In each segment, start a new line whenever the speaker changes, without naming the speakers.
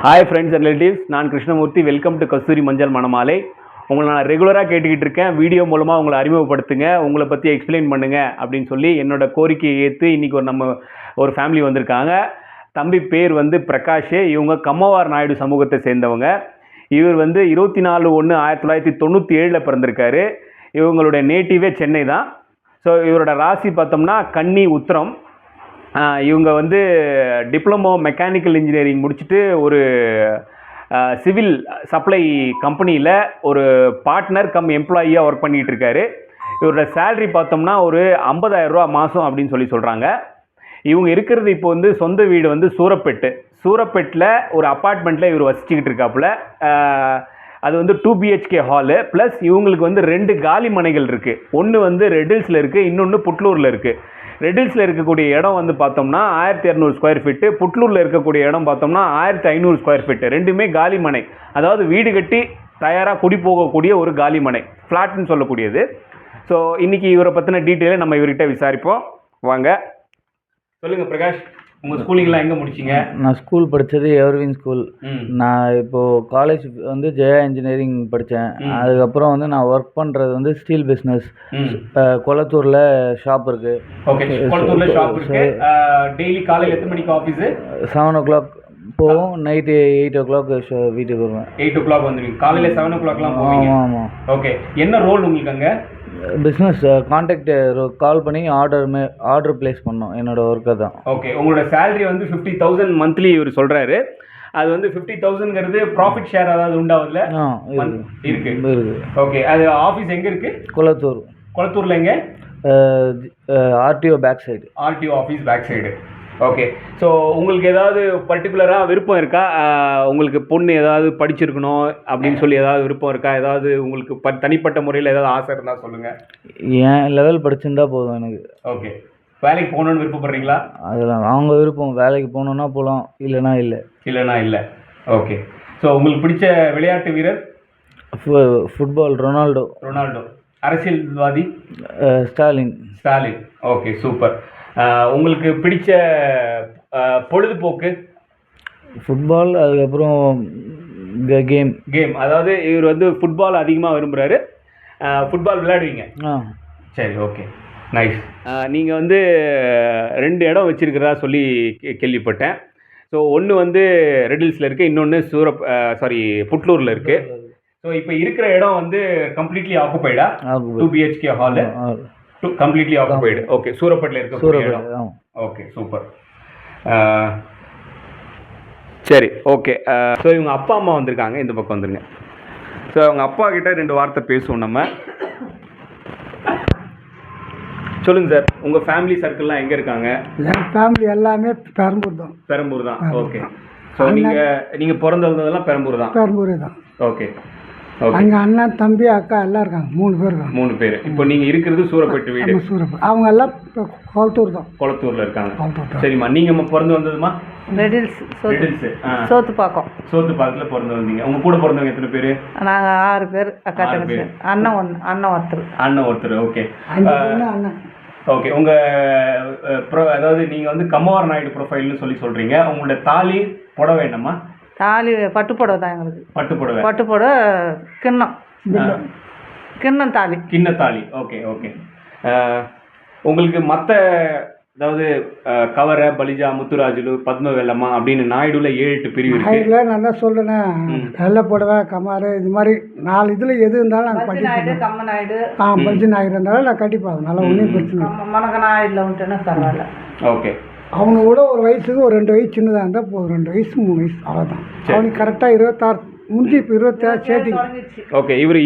Hi friends and relatives, நான் Krishnamurthy. Welcome to கஸ்தூரி மஞ்சள் மணமாலை. உங்களை நான் ரெகுலராக கேட்டுக்கிட்டு இருக்கேன். வீடியோ மூலமாக உங்களை அறிமுகப்படுத்துங்க, உங்களை பற்றி எக்ஸ்பிளைன் பண்ணுங்கள் அப்படின்னு சொல்லி என்னோட கோரிக்கையை ஏற்று இன்றைக்கி ஒரு ஃபேமிலி வந்திருக்காங்க. தம்பி பேர் பிரகாஷ். இவங்க கம்மவார் நாயுடு சமூகத்தை சேர்ந்தவங்க. இவர் 24/1/1997 பிறந்திருக்காரு. இவங்களுடைய நேட்டிவே சென்னை தான். ஸோ இவரோட ராசி பார்த்தோம்னா கன்னி உத்திரம். இவங்க டிப்ளமோ மெக்கானிக்கல் இன்ஜினியரிங் முடிச்சுட்டு ஒரு சிவில் சப்ளை கம்பெனியில் ஒரு பார்ட்னர் கம் எம்ப்ளாயியாக ஒர்க் பண்ணிகிட்டு இருக்காரு. இவரோட சேலரி பார்த்தோம்னா ஒரு 50,000 ரூபா மாதம் அப்படின்னு சொல்கிறாங்க. இவங்க இருக்கிறது இப்போ சொந்த வீடு சூரப்பேட்டில் ஒரு அப்பார்ட்மெண்ட்டில் இவர் வசிச்சுக்கிட்டு இருக்காப்புல. அது 2 BHK ஹாலு ப்ளஸ் இவங்களுக்கு 2 காலி மனைகள் இருக்குது. ஒன்று ரெட்டில்ஸில் இருக்குது, இன்னொன்று புட்லூரில் இருக்குது. ரெட்டில்ஸில் இருக்கக்கூடிய இடம் பார்த்தோம்னா 1200 ஸ்கொயர் ஃபீட்டு, புட்லூரில் இருக்கக்கூடிய இடம் பார்த்தோம்னா 1500 ஸ்கொயர் ஃபீட்டு. ரெண்டுமே காலி மனை, அதாவது வீடு கட்டி தயாராக குடி போகக்கூடிய ஒரு காலி மனை, ஃப்ளாட்னு சொல்லக்கூடியது. ஸோ இன்றைக்கி இவரை பற்றின டீட்டெயிலை நம்ம இவர்கிட்ட விசாரிப்போம். வாங்க, சொல்லுங்கள் பிரகாஷ், உங்கள் ஸ்கூலிங்லாம் எங்கே முடிச்சிங்க?
நான் ஸ்கூல் படித்தது எவர்வின் ஸ்கூல். நான் இப்போது காலேஜ் ஜெயா இன்ஜினியரிங் படித்தேன். அதுக்கப்புறம் நான் ஒர்க் பண்ணுறது ஸ்டீல் பிஸ்னஸ். கொளத்தூரில் ஷாப் இருக்குது.
ஓகே, கொளத்தூரில் ஷாப் இருக்குது. டெய்லி காலையில் எத்தனை மணிக்கு ஆஃபீஸு?
7 o'clock போவோம், நைட்டு 8 o'clock வீட்டுக்கு வருவேன்.
8 o'clock வந்துடுவீங்க. காலையில் 7 o'clockலாம் போவீங்க?
ஆமாம்.
ஓகே, என்ன ரோல் உங்களுக்கு அங்கே?
பிஸ்னஸ் கான்டாக்ட் கால் பண்ணி ஆர்டர் பிளேஸ் பண்ணோம். என்னோட ஒர்க்கை தான்.
ஓகே, உங்களோட சேலரி 50,000 மந்த்லி இவர் சொல்கிறாரு. அது 50,000ங்கிறது ப்ராஃபிட் ஷேர் அதாவது உண்டாவதுல இருக்கு. ஓகே, அது ஆஃபீஸ் எங்கே இருக்குது? கொளத்தூரில் எங்கே?
RTO back side.
RTO office back side. Okay, so உங்களுக்கு ஏதாவது பர்டிகுலராக விருப்பம் இருக்கா? உங்களுக்கு பொண்ணு ஏதாவது படிச்சிருக்கணும் அப்படின்னு சொல்லி ஏதாவது விருப்பம் இருக்கா? ஏதாவது உங்களுக்கு தனிப்பட்ட முறையில் ஏதாவது ஆசை இருந்தால் சொல்லுங்கள்.
என் லெவல் படிச்சிருந்தா போதும் எனக்கு.
ஓகே, வேலைக்கு போகணுன்னு விருப்பப்படுறீங்களா?
அதெல்லாம் அவங்க விருப்பம். வேலைக்கு போகணுன்னா போகலாம், இல்லைனா இல்லை. ஓகே, ஸோ உங்களுக்கு பிடிச்ச விளையாட்டு வீரர்? Football Ronaldo.
அரசியல்வாதி?
ஸ்டாலின்.
Okay, super. உங்களுக்கு பிடிச்ச பொழுதுபோக்கு?
ஃபுட்பால். அதுக்கப்புறம் கேம்.
அதாவது இவர் ஃபுட்பால் அதிகமாக விரும்புகிறாரு. ஃபுட்பால் விளையாடுவீங்க? சரி, ஓகே, நைஸ். நீங்கள் 2 இடம் வச்சுருக்கிறதா சொல்லி கேள்விப்பட்டேன். ஸோ ஒன்று ரெட்டில்ஸில் இருக்குது, இன்னொன்று புட்லூரில் இருக்குது. ஸோ இப்போ இருக்கிற இடம் கம்ப்ளீட்லி ஆக்குபைடா? 2 BHK hall completely occupied. Okay, சூரப்பேட்டில் இருக்க. Okay, super. சரி, ஓகே. ஸோ இவங்க அப்பா அம்மா வந்திருக்காங்க, இந்த பக்கம் வந்துருங்க. ஸோ அவங்க அப்பா கிட்ட 2 வார்த்தை பேசுவோம் நம்ம. சொல்லுங்கள் சார், உங்கள் ஃபேமிலி சர்க்கிள்லாம் எங்கே இருக்காங்க?
என் ஃபேமிலி எல்லாமே பெரம்பூர் தான். ஓகே,
ஸோ நீங்கள் பிறந்ததெல்லாம் பெரம்பூர் தான். ஓகே,
அங்கே அண்ணன் தம்பி அக்கா எல்லாம் இருக்காங்க. 3 பேர்.
இப்போ நீங்கள் இருக்கிறது சூரப்பேட்டு வீடு?
அவங்க எல்லாம் கொளத்தூரில்
இருக்காங்க. சரிம்மா, நீங்கள் பிறந்து வந்ததுமா?
ரெட்டில்ஸ்
சோத்துப்பாக்கத்தில் பிறந்து வந்தீங்க. உங்கள் கூட பிறந்தவங்க எத்தனை பேர்?
நாங்கள் 6 பேர். அக்கா தங்கச்சி. அண்ணன் ஒருத்தர்.
Okay okay. உங்கள் அதாவது நீங்கள் கம்மவார் நாயுடு ப்ரொஃபைல்னு சொல்கிறீங்க. உங்களோட தாலி புடவை என்னம்மா?
தாலி பட்டுப்புடவை தான் எங்களுக்கு. பட்டுப்புடவை கிண்ணம் தாலி.
ஓகே. உங்களுக்கு மற்ற அதாவது கவர, பலிஜா, முத்துராஜுலு, பத்மவேலம்மா அப்படின்னு நாயுடுல 7-8 பிரிவு இருக்கு.
நான் தான் சொல்றேன், வெள்ளை புடவை, கமாரு, இது மாதிரி 4 இதுல எது இருந்தாலும் நாங்கள்
கட்டிப்போம். கம்மநாயுடு,
பல்ஜி நாயுடு இருந்தாலும் நான் கட்டிப்போம். நல்லா ஒன்றும் பிரச்சனை.
மணக்க நாயுடுல வந்துட்டுன்னா பரவாயில்ல.
ஓகே,
அவனு கூட ஒரு வயசுக்கு ஒரு 2 வயசு சின்னதாக இருந்தால் போதும். 2 வயசு 3 வயசு அவ்வளோதான். அவனுக்கு கரெக்டாக 26 முடிஞ்சு இப்போ 27 சேர்த்தி.
ஓகே, இவர்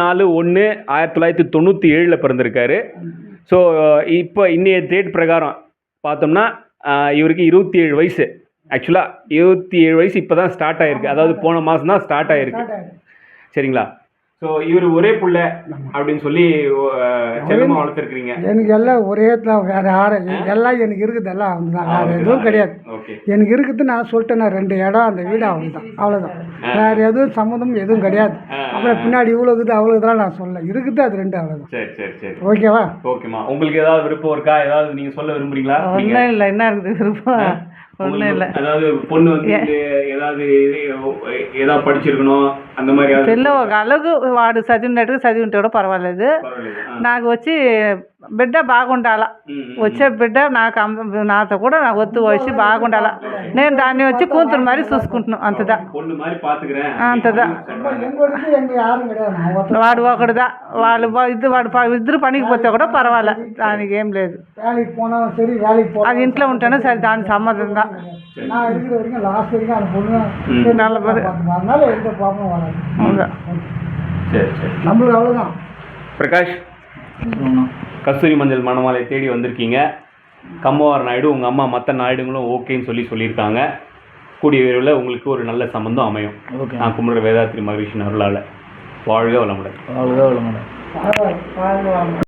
24/1/1997 பிறந்திருக்காரு. ஸோ இப்போ இன்னைய டேட் பிரகாரம் பார்த்தோம்னா இவருக்கு 27 வயசு. ஆக்சுவலாக 27 வயசு இப்போ தான் ஸ்டார்ட் ஆகிருக்கு, அதாவது போன மாதம் தான் ஸ்டார்ட் ஆகிருக்கு. சரிங்களா? ஸோ இவர் ஒரே புள்ள அப்படின்னு சொல்லி செல்லமாக வளர்த்துருக்குறீங்க.
எனக்கு எல்லாம் ஒரே தான், வேறு யாரும் எல்லாம் எனக்கு இருக்குது. எல்லாம் அவங்க தான், வேறு எதுவும் கிடையாது. எனக்கு இருக்குது. நான் சொல்லிட்டேன், நான் 2 இடம், அந்த வீடு அவ்வளோதான். வேறு எதுவும் சம்மந்தம் எதுவும் கிடையாது. அப்புறம் பின்னாடி இவ்வளோ இருக்குது அவ்வளோ இதெல்லாம் நான் சொல்ல இருக்குது. அது 2 அவ்வளோதான்.
சரி.
ஓகேவா?
ஓகேம்மா, உங்களுக்கு ஏதாவது விருப்பம் இருக்கா? ஏதாவது நீங்கள் சொல்ல விரும்புறீங்களா?
ஒன்றும் இல்லை. என்ன இருக்குது விருப்பம்? ஒன்றும் இல்லை.
அதாவது பொண்ணு வந்து ஏதாவது ஏதாவது படிச்சிருக்கணும் அந்த மாதிரி
పిల్ల ఒక అలగు వాడు చదివినట్టుగా చదివి ఉంటే కూడా పర్వాలేదు. నాకు వచ్చి బిడ్డ బాగుండాలా, వచ్చే బిడ్డ నాతో కూడా నాకు ఒత్తు వచ్చి బాగుండాలా, నేను దాన్ని వచ్చి కూతురు మరి చూసుకుంటున్నాను అంతదా. అంతదా వాడు ఒకటిదా, వాడు ఇద్దరు పనికి పోతే కూడా పర్వాలే, దానికి ఏం లేదు. అది ఇంట్లో ఉంటేనే సరే, దాని సమ్మతం தான்.
நம்மளுக்கு அவ்வளோதான்.
பிரகாஷ், கஸ்தூரி மஞ்சள் மணமாலை தேடி வந்திருக்கீங்க. கம்மவார் நாயுடு உங்கள் அம்மா மற்ற நாயுடுங்களும் ஓகேன்னு சொல்லியிருக்காங்க. கூடிய விரைவில் உங்களுக்கு ஒரு நல்ல சம்பந்தம் அமையும். நான் கும்பிடுற வேதாத்ரி மகரிஷின் அருளால். வாழ்க வளமுடன்.
வாழ்க வளமுடன்.